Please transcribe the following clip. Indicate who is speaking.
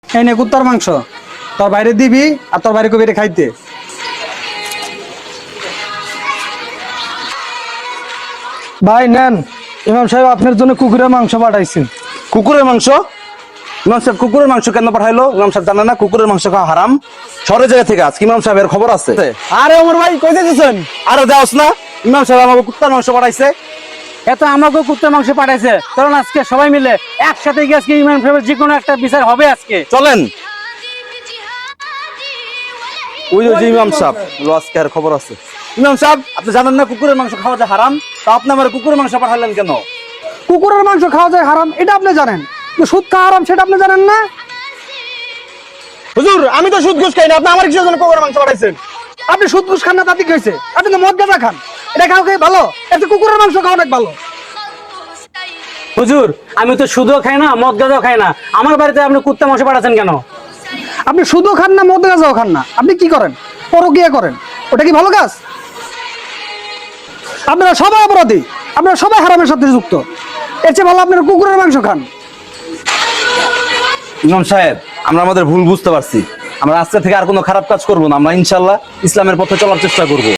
Speaker 1: এই নে কুত্তার মাংস, তোর বাইরে দিবি আর তোর বাইরে কবিরে খাইতে। ভাই নেন, ইমাম সাহেব আপনার জন্য কুকুরের মাংস পাঠাইছেন।
Speaker 2: কুকুরের মাংস? ইমাম সাহেব কুকুরের মাংস কেন পাঠাইলো? ইমাম সাহেব জানে না কুকুরের মাংস খাওয়া হারাম? শহরের জায়গা থেকে আজকে ইমাম সাহেবের খবর আছে।
Speaker 1: আরে ওমর ভাই কই যাচ্ছেন?
Speaker 2: আরে যাওস না, ইমাম সাহেব আমাকে কুত্তার মাংস পাঠাইছে।
Speaker 3: এত আমাকে কুত্তার মাংস পাঠাইছে, কারণ আজকে সবাই মিলে একসাথে গিয়ে আজকে ইমাম সাহেবের যে কোনো একটা বিচার হবে আজকে।
Speaker 2: চলেন। ওই যে ইমাম সাহেব আজকে আর খবর আছে। ইমাম সাহেব আপনি জানেন না কুকুরের মাংস খাওয়া যায় হারাম, তা আপনি আমার কুকুরের মাংস পাঠালেন কেন?
Speaker 1: কুকুরের মাংস খাওয়া যায় হারাম এটা আপনি জানেন, কিন্তু সুদ খাওয়া হারাম সেটা আপনি জানেন না।
Speaker 2: হুজুর আমি তো সুদ ঘুষ খাই না, আপনি আমার কিসের জন্য কুকুরের মাংস পাঠাইছেন?
Speaker 1: আপনি সুদ ঘুষ খান না তাতে কি হয়েছে? আপনি তো মদ গাঁজা খান, এটা খাও খেয়ে ভালো, এত কুকুরের মাংস খাওয়া অনেক ভালো।
Speaker 3: হুজুর আমি তো সুদও খাই না, মদ গাঁজাও খাই না, আমার বাড়িতে আপনি কুত্তা মাংস পাঠাচ্ছেন কেন?
Speaker 1: আপনি সুদও খান না, মদ গাঁজাও খান না, আপনি কি করেন? পরকীয়া করেন, ওটা কি ভালো কাজ? আপনারা সবাই অপরাধী, আপনারা সবাই হারামের সাথে যুক্ত। এর চেয়ে ভালো আপনারা কুকুরের মাংস খান।
Speaker 2: ইমাম সাহেব আমরা আমাদের ভুল বুঝতে পারছি, আমরা আজকে থেকে আর কোনো খারাপ কাজ করবো না, আমরা ইনশাল্লাহ ইসলামের পথে চলার চেষ্টা করবো।